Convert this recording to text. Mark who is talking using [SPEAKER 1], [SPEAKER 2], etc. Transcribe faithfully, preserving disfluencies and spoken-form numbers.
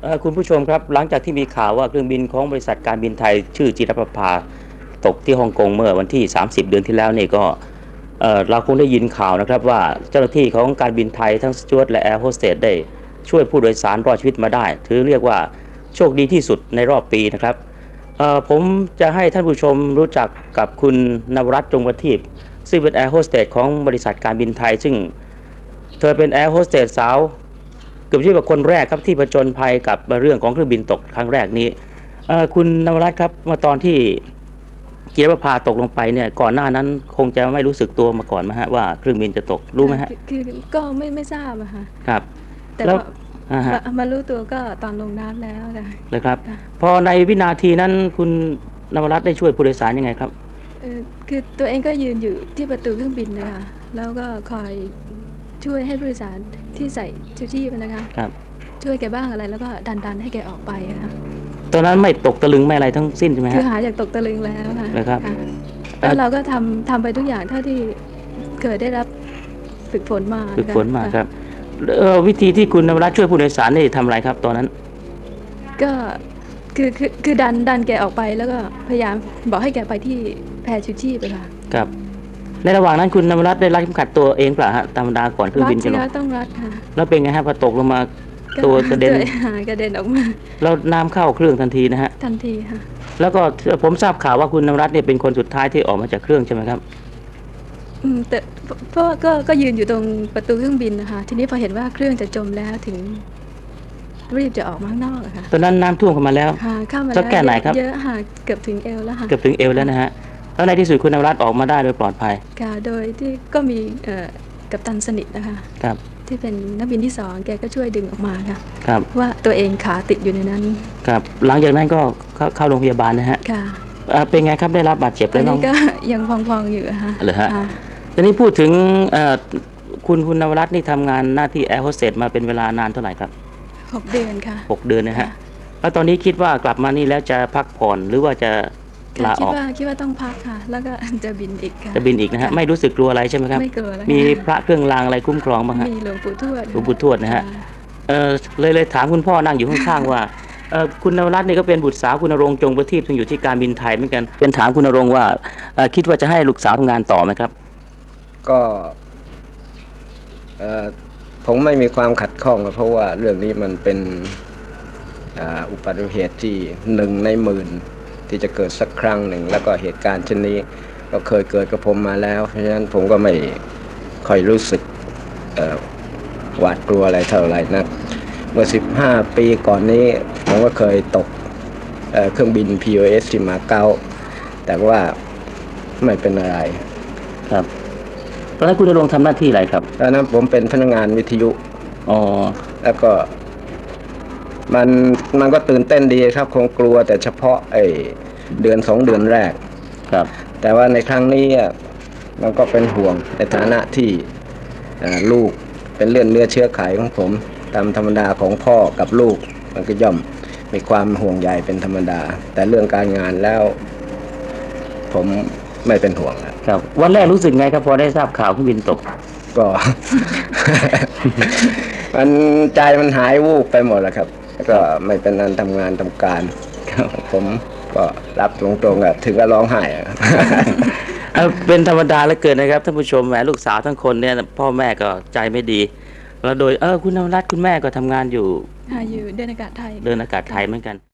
[SPEAKER 1] คุณผู้ชมครับหลังจากที่มีข่าวว่าเครื่องบินของบริษัทการบินไทยชื่อจิรประภาตกที่ฮ่องกงเมื่อวันที่สามสิบเดือนที่แล้วนี่ก็เเราคงได้ยินข่าวนะครับว่าเจ้าหน้าที่ของการบินไทยทั้งสจ๊วตและแอร์โฮสเตสได้ช่วยผู้โดยสารรอดชีวิตมาได้ถือเรียกว่าโชคดีที่สุดในรอบปีนะครับผมจะให้ท่านผู้ชมรู้จักกับคุณนวรัตน์จงประทีปซึ่งเป็นแอร์โฮสเตสของบริษัทการบินไทยซึ่งเธอเป็นแอร์โฮสเตสสาวเกือบจะเป็นคนแรกครับที่ผจญภัยกับเรื่องของเครื่องบินตกครั้งแรกนี้คุณนวรัตน์ครับเมื่อตอนที่จิรประภาตกลงไปเนี่ยก่อนหน้านั้นคงจะไม่รู้สึกตัวมาก่อนไหมฮะว่าเครื่องบินจะตกรู้ไหมฮะ
[SPEAKER 2] คือก็ไม่ไม่ทราบอะค่ะ
[SPEAKER 1] ครับ
[SPEAKER 2] แต่มารู้ตัวก็ตอนลงน้ำแล้ว
[SPEAKER 1] เลยครับพอในวินาทีนั้นคุณนวรัตน์ได้ช่วยผู้โดยสารยังไงครับ
[SPEAKER 2] คือตัวเองก็ยืนอยู่ที่ประตูเครื่องบินนะคะแล้วก็คอยช่วยให้ผู้โดยสารที่ใส่ชูชีพนะคะ
[SPEAKER 1] ครับ
[SPEAKER 2] ช่วยแกบ้างอะไรแล้วก็ดันดันให้แกออกไปนะคะ
[SPEAKER 1] ตอนนั้นไม่ตกตะลึงไม่อะไรทั้งสิ้นใช่ไหม
[SPEAKER 2] คือหายจากตกตะลึงแล้วค่ะ
[SPEAKER 1] นะครับ
[SPEAKER 2] แล้วเราก็ทำทำไปทุกอย่างเท่าที่เคยได้รับฝึกฝนมา
[SPEAKER 1] ฝึกฝนมาครับวิธีที่คุณนวรัตน์ช่วยผู้โดยสารนี่ทำอะไรครับตอนนั้น
[SPEAKER 2] ก็คือคือคือดันดันแกออกไปแล้วก็พยายามบอกให้แกไปที่แพชูชีพไปค่ะ
[SPEAKER 1] ครับในระหว่างนั้นคุณนวรัตน์ได้รัดเข็มขัดตัวเองเปล่าฮะธรรมดาก่อนเครื่องบินจะลง
[SPEAKER 2] ต้องรัดค่ะ
[SPEAKER 1] แล้วเป็นไงฮะพอตกลงมาตัวกระเด็น
[SPEAKER 2] กระเด็นออกมา
[SPEAKER 1] แล้วน้ำเข้าเครื่องทันทีนะฮะ
[SPEAKER 2] ทันทีค่ะ
[SPEAKER 1] แล้วก็ผมทราบข่าวว่าคุณนวรัตน์เนี่ยเป็นคนสุดท้ายที่ออกมาจากเครื่องใช่ไหมครับ
[SPEAKER 2] อืมแต่เพราะก็ก็ยืนอยู่ตรงประตูเครื่องบินนะคะทีนี้พอเห็นว่าเครื่องจะจมแล้วถึงรีบจะออกมาข้างนอกค่ะ
[SPEAKER 1] ตอนนั้นน้ำท่วมเข้ามาแล้ว
[SPEAKER 2] ค่ะเข้ามาแล้ว
[SPEAKER 1] แก่ไหนครับ
[SPEAKER 2] เยอะค่ะเกือบถึงเอวแล้วค่ะ
[SPEAKER 1] เกือบถึงเอวแล้วนะฮะแล้วในที่สุดคุณนวรัตน์ออกมาได้โดยปลอดภัย
[SPEAKER 2] ค่ะโดยที่ก็มีกัปตันสนิทนะคะ
[SPEAKER 1] ครับ
[SPEAKER 2] ที่เป็นนักบินที่สองแกก็ช่วยดึงออกมาค่ะ
[SPEAKER 1] ครับ
[SPEAKER 2] ว่าตัวเองขาติดอยู่ในนั้น
[SPEAKER 1] ครับหลังจากนั้นก็เข้าโรงพยาบาลนะฮะ
[SPEAKER 2] ค่ะ
[SPEAKER 1] เป็นไงครับได้รับบาดเจ็บแล้วน้อง
[SPEAKER 2] ก็ยังพองๆอยู่ค่ะ
[SPEAKER 1] เหรอฮะทีนี้พูดถึงคุณคุณนวรัตน์นี่ทำงานหน้าที่แอร์โฮสเตสมาเป็นเวลานานเท่าไหร่ครับ
[SPEAKER 2] หกเดือนค่ะ
[SPEAKER 1] หกเดือนนะฮะแล้วตอนนี้คิดว่ากลับมานี่แล้วจะพักผ่อนหรือว่าจะลาออก
[SPEAKER 2] คิดว่าคิดว่าต้องพักค่ะแล้วก็จะบินอีกค่ะ
[SPEAKER 1] จะบินอีกนะฮะไม่รู้สึกกลัวอะไรใช่ไหมครับ
[SPEAKER 2] ไม่กลัวแล้ว
[SPEAKER 1] มีพระเครื่องรางอะไรคุ้มครองบ้างฮะ
[SPEAKER 2] มีหลวงปู่ทวด
[SPEAKER 1] หลวงปู่ทวดนะฮะเออเลยเลยถามคุณพ่อนั่งอยู่ข้างๆว่าเออคุณนวรัตน์นี่ก็เป็นบุตรสาวคุณณรงค์จงประทีปซึ่งอยู่ที่การบินไทยเหมือนกันเป็นถามคุณณรงค์ว่าคิดว่าจะให้ลูกสาวทำงานต่อไหมครับ
[SPEAKER 3] ก็ผมไม่มีความขัดข้องเพราะว่าเรื่องนี้มันเป็นอุบัติเหตุที่หนึ่งในหมื่นที่จะเกิดสักครั้งหนึ่งแล้วก็เหตุการณ์เช่นนี้ก็เคยเกิดกับผมมาแล้วเพราะฉะนั้นผมก็ไม่ค่อยรู้สึกหวาดกลัวอะไรเท่าไหร่นะเมื่อสิบห้าปีก่อนนี้ผมก็เคยตกเครื่องบิน พี โอ เอส ที่มาเก๊าแต่ว่าไม่เป็นอะไร
[SPEAKER 1] ครับตอนนั้นคุณณรงค์ทำหน้าที่อะไรครับ
[SPEAKER 3] ตอนนั้นผมเป็นพนักงานวิทยุ
[SPEAKER 1] อ๋อ
[SPEAKER 3] แล้วก็มันมันก็ตื่นเต้นดีครับคงกลัวแต่เฉพาะไอ้เดือนสองเดือนแรก
[SPEAKER 1] ครับ
[SPEAKER 3] แต่ว่าในครั้งนี้มันก็เป็นห่วงในฐานะที่ลูกเป็นเลือดเนื้อเชื้อไขของผมตามธรรมดาของพ่อกับลูกมันก็ย่อมมีความห่วงใยเป็นธรรมดาแต่เรื่องการงานแล้วผมไม่เป็นห่วง
[SPEAKER 1] ครับวันแรกรู้สึกไงครับพอได้ทราบข่าวเครื่องบินตก
[SPEAKER 3] ก็ มันใจมันหายวูบไปหมดแล้วครับก็ไม่เป็นอันทำงานทำการผมก็รับตรงๆอ่ะถึงก็ร้องไห้
[SPEAKER 1] เป็นธรรมดาเหลือเกินนะครับท่านผู้ชมแหมลูกสาวทั้งคนเนี่ยพ่อแม่ก็ใจไม่ดีแล้วโดยเออคุณนวรัตน์คุณแม่ก็ทำงานอยู่
[SPEAKER 2] อยู่เดินอากาศไทย
[SPEAKER 1] เดินอากาศไทยเหมือนกัน